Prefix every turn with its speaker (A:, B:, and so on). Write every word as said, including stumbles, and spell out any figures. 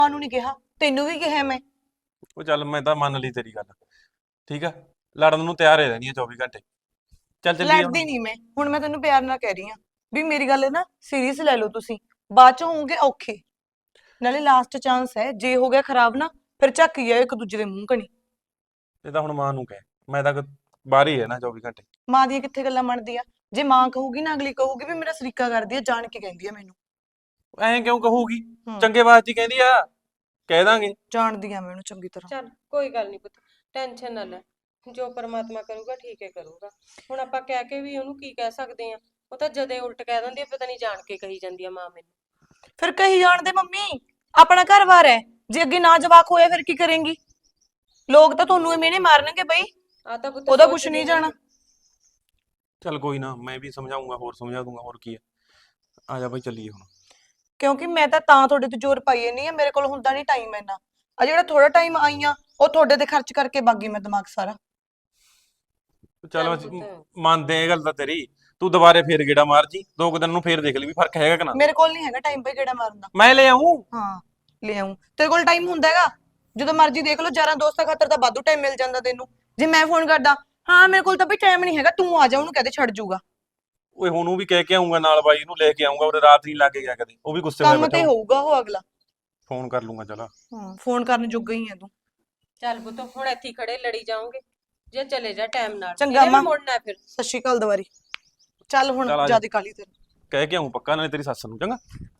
A: ਨੂੰ ਨਹੀਂ ਕਿਹਾ, ਤੈਨੂੰ ਵੀ ਕਿਹਾ ਮੈਂ।
B: ਉਹ ਚੱਲ ਮੈਂ ਤਾਂ ਮੰਨ ਲਈ ਤੇਰੀ ਗੱਲ, ਠੀਕ ਆ। ਲੜਨ ਨੂੰ ਤਿਆਰ ਹੀ ਰਹਿਣੀ ਆ ਚੌਵੀ ਘੰਟੇ। ਚੱਲ ਚੱਲੀਏ ਹੁਣ।
A: ਲੜਦੀ ਨਹੀਂ ਮੈਂ, ਹੁਣ ਮੈਂ ਤੈਨੂੰ ਪਿਆਰ ਨਾਲ ਕਹਿ ਰਹੀ ਆ ਵੀ ਮੇਰੀ ਗੱਲ ਨਾ ਸੀਰੀਅਸ ਲੈ ਲਓ ਤੁਸੀਂ, ਬਾਅਦ ਚ ਹੋਵੋਗੇ ਔਖੇ। ਨਾਲੇ ਲਾਸਟ ਚਾਂਸ ਹੈ, ਜੇ ਹੋ ਗਿਆ ਖਰਾਬ ਨਾ ਫਿਰ ਝੱਕ ਜਾਇਓ ਇੱਕ ਦੂਜੇ ਦੇ ਮੂੰਹ ਕਣੀ।
B: ਇਹ ਤਾਂ ਹੁਣ ਮਾਂ ਨੂੰ ਕਹਿ, ਮੈਂ ਤਾਂ ਬਾਹਰ ਹੀ ਹੈ ਨਾ ਚੌਵੀ ਘੰਟੇ।
A: ਮਾਂ ਦੀਆਂ ਕਿੱਥੇ ਗੱਲਾਂ ਮੰਨਦੀ ਆ? ਜੇ ਮਾਂ ਕਹੂਗੀ ਨਾ, ਅਗਲੀ ਕਹੂਗੀ ਵੀ ਮੇਰਾ ਸਰੀਕਾ ਕਰਦੀ ਆ, ਜਾਣ ਕੇ ਕਹਿੰਦੀ ਆ ਮੈਨੂੰ।
B: ਐਂ ਕਿਉਂ ਕਹੂਗੀ?
A: ਹੂੰ।
B: ਚੰਗੇ ਵਾਸਤੇ ਹੀ ਕਹਿੰਦੀ ਆ, ਕਹਿ ਦਾਂਗੇ।
A: ਜਾਣਦੀ ਆ ਮੈਂ ਉਹਨੂੰ ਚੰਗੀ ਤਰ੍ਹਾਂ।
C: ਚੱਲ ਕੋਈ ਗੱਲ ਨਹੀਂ ਪੁੱਤ, ਟੈਨਸ਼ਨ ਨਾ ਲੈ। ਜੋ ਪਰਮਾਤਮਾ ਕਰੂਗਾ ਠੀਕ ਹੈ ਕਰੂਗਾ। ਹੁਣ ਆਪਾਂ ਕਹਿ ਕੇ ਵੀ ਉਹਨੂੰ ਕੀ ਕਹਿ ਸਕਦੇ ਆ? ਉਹ ਤਾਂ ਜਦੇ ਉਲਟ ਕਹਿ ਦਿੰਦੀ ਆ, ਪਤਾ ਨਹੀਂ ਜਾਣ ਕੇ ਕਹੀ ਜਾਂਦੀ ਆ ਮਾਂ ਮੈਨੂੰ।
A: ਫਿਰ ਕਹੀ ਜਾਣ ਦੇ ਮੰਮੀ, ਆਪਣਾ ਘਰ-ਬਾਰ ਹੈ, ਜੇ ਅੱਗੇ ਨਾ ਜਵਾਕ ਹੋਇਆ ਫਿਰ ਕੀ ਕਰੇਂਗੀ? ਲੋਕ ਤਾਂ ਤੁਹਾਨੂੰ ਐਵੇਂ ਨੇ ਮਾਰਨਗੇ ਬਈ,
C: ਆ ਤਾਂ ਪੁੱਤ
A: ਉਹਦਾ ਕੁਛ
C: ਸੋਚਦੀ
A: ਨਹੀਂ
C: ਨੀ।
A: ਜਾਣਾ।
B: ਚੱਲ ਕੋਈ ਨਾ, ਮੈਂ ਵੀ ਸਮਝਾਉਂਗਾ, ਹੋਰ ਸਮਝਾ ਦੂੰਗਾ, ਹੋਰ ਕੀ ਆ। ਆ ਜਾ ਬਈ ਚੱਲੀਏ ਹੁਣ।
A: ਕਿਉਂਕਿ ਮੈਂ ਤਾਂ ਤਾਂ ਤੁਹਾਡੇ ਤੇ ਜ਼ੋਰ ਪਾਈ ਨਹੀਂ ਆ, ਮੇਰੇ ਕੋਲ ਹੁੰਦਾ ਨਹੀਂ ਟਾਈਮ ਇੰਨਾ। ਆ ਜਿਹੜਾ ਥੋੜਾ ਟਾਈਮ ਆਈ ਆ ਉਹ ਤੁਹਾਡੇ ਤੇ ਖਰਚ ਕਰਕੇ ਬਾਗੀ ਮੈਂ ਦਿਮਾਗ ਸਾਰਾ।
B: ਚੱਲ
C: ਚੱਲ
B: ਅਸੀਂ
C: ਪੁੱਤ।
B: ਮੰਨਦੇ ਆ ਇਹ ਗੱਲ ਤਾਂ ਤੇਰੀ। ਤੂੰ ਦੁਬਾਰੇ ਫੇਰ ਗੇੜਾ ਮਾਰ ਜੀ, ਦੋ ਕੁ ਦਿਨ ਨੂੰ ਫੇਰ ਦੇਖ ਲਈ ਵੀ ਫਰਕ ਹੈਗਾ ਕਿ ਨਾ।
A: ਮੇਰੇ ਕੋਲ ਨਹੀਂ ਹੈਗਾ ਟਾਈਮ ਪਈ ਕਿਹੜਾ ਮਾਰਨ ਦਾ।
B: ਮੈਂ ਲੈ ਆਊਂ।
A: ਹਾਂ ਲੈ ਆऊं, ਤੇਰੇ ਕੋਲ ਟਾਈਮ ਹੁੰਦਾ ਹੈਗਾ? ਜਦੋਂ ਮਰਜ਼ੀ ਦੇਖ ਲਓ, ਯਾਰਾਂ ਦੋਸਤਾਂ ਖਾਤਰ ਤਾਂ ਵਾਧੂ ਟਾਈਮ ਮਿਲ ਜਾਂਦਾ ਤੈਨੂੰ। ਜੇ ਮੈਂ ਫੋਨ ਕਰਦਾ, ਹਾਂ ਮੇਰੇ ਕੋਲ ਤਾਂ ਬਈ ਟਾਈਮ ਨਹੀਂ ਹੈਗਾ, ਤੂੰ ਆ ਜਾ, ਉਹਨੂੰ ਕਹਦੇ ਛੱਡ ਜੂਗਾ।
B: ਓਏ ਹੁਣ ਉਹ ਵੀ ਕਹਿ ਕੇ ਆਉਂਗਾ ਨਾਲ, ਬਾਈ ਨੂੰ ਲੈ ਕੇ ਆਉਂਗਾ, ਉਹਦੇ ਰਾਤ ਨਹੀਂ ਲੱਗ ਗਿਆ ਕਦੇ, ਉਹ ਵੀ ਗੁੱਸੇ ਹੋਇਆ
A: ਕੰਮ
B: ਬੈਠਾ
A: ਤੇ
B: ਹੋਊ।
A: ਹੋਊਗਾ ਉਹ ਅਗਲਾ।
B: ਫੋਨ ਕਰ ਲੂੰਗਾ ਚਲ।
A: ਹਾਂ ਫੋਨ ਕਰਨ ਜੋਗਾ ਹੀ ਹੈ ਤੂੰ।
C: ਚੱਲ ਪੁੱਤ, ਹੁਣ ਇੱਥੇ ਹੀ ਖੜੇ ਲੜੀ ਜਾਓਗੇ, ਜੇ ਚਲੇ ਜਾ ਟਾਈਮ ਨਾਲ।
A: ਚੰਗਾ
C: ਇਹਨੇ ਵੀ
A: ਮਾਂ।
C: ਮੁੜਨਾ ਫਿਰ।
A: ਸਤਿ ਸ਼੍ਰੀ ਅਕਾਲ ਦੁਬਾਰੀ। ਚੱਲ ਹੁਣ
B: ਚੱਲ ਆ ਜਾ।
A: ਜਿਆਦਾ ਕਾਲੀ ਤੇਰੀ।
B: ਕਹਿ ਕੇ ਆਊਂ ਪੱਕਾ, ਨਾਲੇ ਤੇਰੀ ਸੱਸ ਨੂੰ, ਚੰਗਾ।